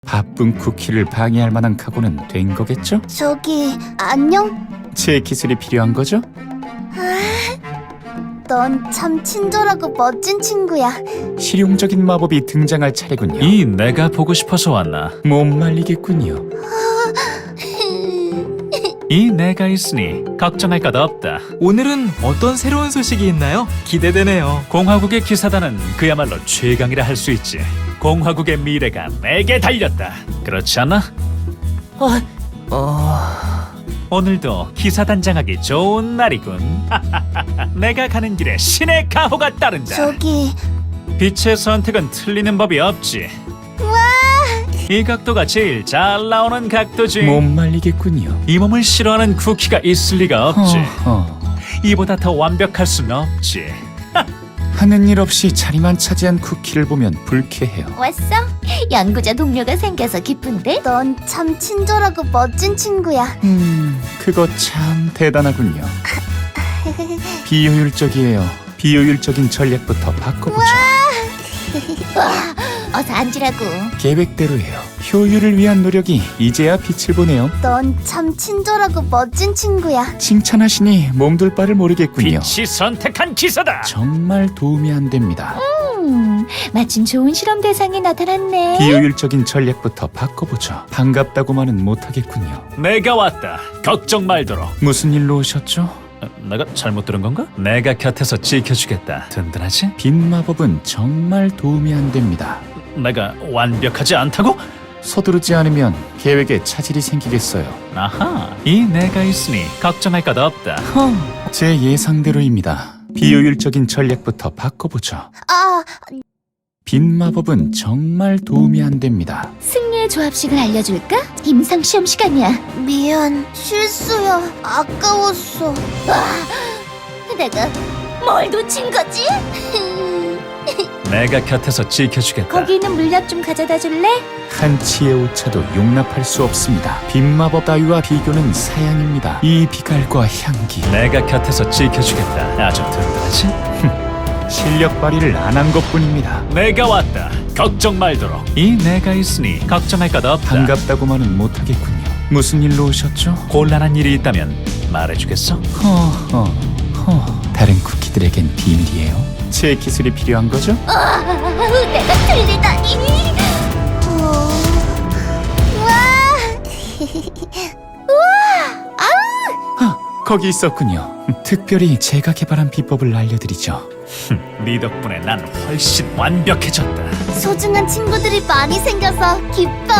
바쁜 쿠키를 방해할 만한 각오는 된 거겠죠? 저기, 안녕? 제 기술이 필요한 거죠? 넌 참 친절하고 멋진 친구야. 실용적인 마법이 등장할 차례군요. 이 내가 보고 싶어서 왔나? 못 말리겠군요. 이 내가 있으니 걱정할 것 없다. 오늘은 어떤 새로운 소식이 있나요? 기대되네요. 공화국의 기사단은 그야말로 최강이라 할 수 있지. 공화국의 미래가 내게 달렸다. 그렇지 않나? 오늘도 기사단장하기 좋은 날이군. 내가 가는 길에 신의 가호가 따른다. 저기, 빛의 선택은 틀리는 법이 없지. 이 각도가 제일 잘 나오는 각도지. 못 말리겠군요. 이 몸을 싫어하는 쿠키가 있을 리가 없지. 허허. 이보다 더 완벽할 순 없지. 하는 일 없이 자리만 차지한 쿠키를 보면 불쾌해요. 왔어? 연구자 동료가 생겨서 기쁜데? 넌 참 친절하고 멋진 친구야. 그거 참 대단하군요. 비효율적이에요. 비효율적인 전략부터 바꿔보죠. 어서 앉으라고. 계획대로예요. 효율을 위한 노력이 이제야 빛을 보네요. 넌 참 친절하고 멋진 친구야. 칭찬하시니 몸둘 바를 모르겠군요. 빛이 선택한 기사다. 정말 도움이 안 됩니다. 마침 좋은 실험 대상이 나타났네. 비효율적인 전략부터 바꿔보죠. 반갑다고만은 못하겠군요. 내가 왔다. 걱정 말도록. 무슨 일로 오셨죠? 내가 잘못 들은 건가? 내가 곁에서 지켜주겠다. 든든하지? 빈 마법은 정말 도움이 안 됩니다. 내가 완벽하지 않다고? 서두르지 않으면 계획에 차질이 생기겠어요. 아하, 이 내가 있으니 걱정할 것 없다. 제 예상대로입니다. 비효율적인 전략부터 바꿔보죠. 아, 빈 마법은 정말 도움이 안 됩니다. 승리의 조합식을 알려줄까? 임상 시험 시간이야. 미안, 실수야. 아까웠어. 내가 뭘 놓친 거지? 내가 곁에서 지켜주겠다. 거기 있는 물약 좀 가져다 줄래? 한치의 오차도 용납할 수 없습니다. 빈 마법 따위와 비교는 사양입니다. 이 빛깔과 향기, 내가 곁에서 지켜주겠다. 아주 든든하지? 실력 발휘를 안 한 것뿐입니다. 내가 왔다. 걱정 말도록. 이 내가 있으니 걱정할 것 없다. 반갑다고만은 못하겠군요. 무슨 일로 오셨죠? 곤란한 일이 있다면 말해주겠어? 다른 쿠키들에겐 비밀이에요. 제 기술이 필요한 거죠? 내가 틀리다니. 거기 있었군요. 특별히 제가 개발한 비법을 알려드리죠. 네 덕분에 난 훨씬 완벽해졌다. 소중한 친구들이 많이 생겨서 기뻐.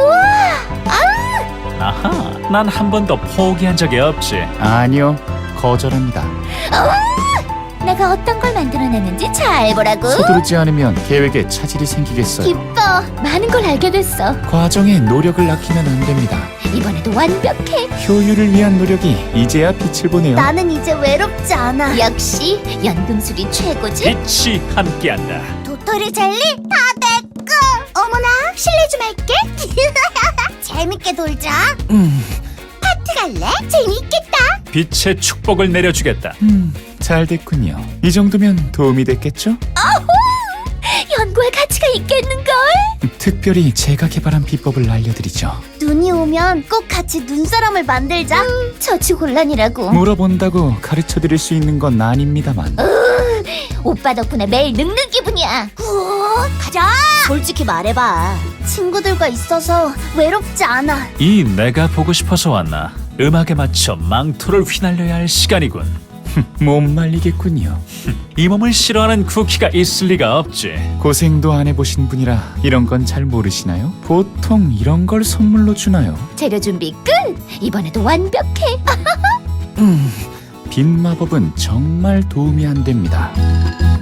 아하, 난 한 번도 포기한 적이 없지. 아니요, 거절합니다. 내가 어떤 걸 만들어냈는지 잘 보라고. 서두르지 않으면 계획에 차질이 생기겠어요. 기뻐. 많은 걸 알게 됐어. 과정에 노력을 아끼면 안 됩니다. 이번에도 완벽해. 효율을 위한 노력이 이제야 빛을 보네요. 나는 이제 외롭지 않아. 역시 연금술이 최고지. 빛이 함께한다. 도토리 젤리 다 내꺼. 어머나, 실례 좀 할게. 재밌게 놀자. 파티 갈래? 재밌겠다. 빛의 축복을 내려주겠다. 잘 됐군요. 이 정도면 도움이 됐겠죠? 연구할 가치가 있겠는걸? 특별히 제가 개발한 비법을 알려드리죠. 눈이 오면 꼭 같이 눈사람을 만들자. 처치곤란이라고. 물어본다고 가르쳐드릴 수 있는 건 아닙니다만. 오빠 덕분에 매일 늙는 기분이야. 가자. 솔직히 말해봐. 친구들과 있어서 외롭지 않아. 이 내가 보고 싶어서 왔나? 음악에 맞춰 망토를 휘날려야 할 시간이군. 못 말리겠군요. 이 몸을 싫어하는 쿠키가 있을 리가 없지. 고생도 안 해보신 분이라 이런 건 잘 모르시나요? 보통 이런 걸 선물로 주나요? 재료 준비 끝. 이번에도 완벽해. 빈 마법은 정말 도움이 안 됩니다.